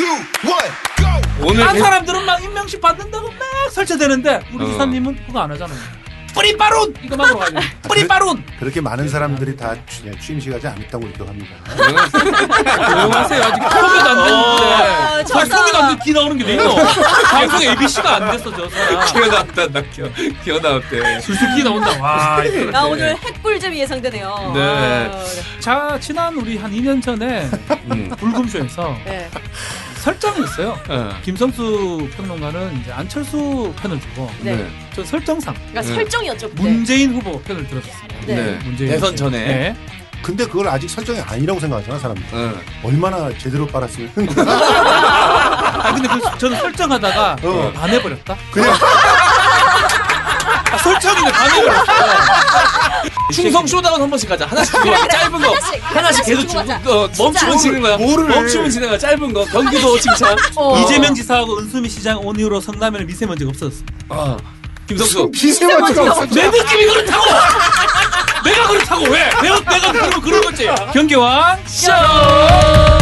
오늘 딴 사람들은 막 임명식 받는다고 막 설치되는데 우리 기사님은 그거 안 하잖아요. 뿌리빠룬 이거 막으러 가야 돼. 뿌리빠룬. 그렇게 많은 사람들이 다 취임식 하지 않았다고 느껴합니다. 조용하세요. 아직 소개도 안 됐는데. 소개도 안 돼. 기 나오는 게 왜 있노? 방송 ABC가 안 됐어 저 사람. 기어 나왔다. 나 기어 나왔대. 술술 기 나온다. 와. 야, 오늘 핵불잼이 예상되네요. 네. 자 지난 우리 한 2년 전에 불금쇼에서 네. 설정이 있어요. 김성수 평론가는 이제 안철수 편을 들고 네. 저 설정상 그러니까 설정이었죠. 그때. 문재인 후보 편을 들었습니다. 네. 문재인 대선 후보. 전에. 네. 근데 그걸 아직 설정이 아니라고 생각하잖아 사람들이. 얼마나 제대로 빨았으면. 아 근데 저는 설정하다가 반해버렸다. 그냥 설정이네 반해버렸어. 충성 쇼다운 한 번씩 가자. 하나씩 그래, 그래. 짧은 거. 하나씩 계속 주고 가자. 멈추면 지는 거야. 뭐를 해. 멈추면 지는 거야. 짧은 거. 경기도 칭찬. 이재명 지사하고 은수미 시장 온 이후로 성남에는 미세먼지가 없어졌습니다. 김성수. 미세먼지가 없어. 내 느낌이 그렇다고! 내가 그렇다고 왜? 내가 그러면 그런 거지. 경기왕 쇼!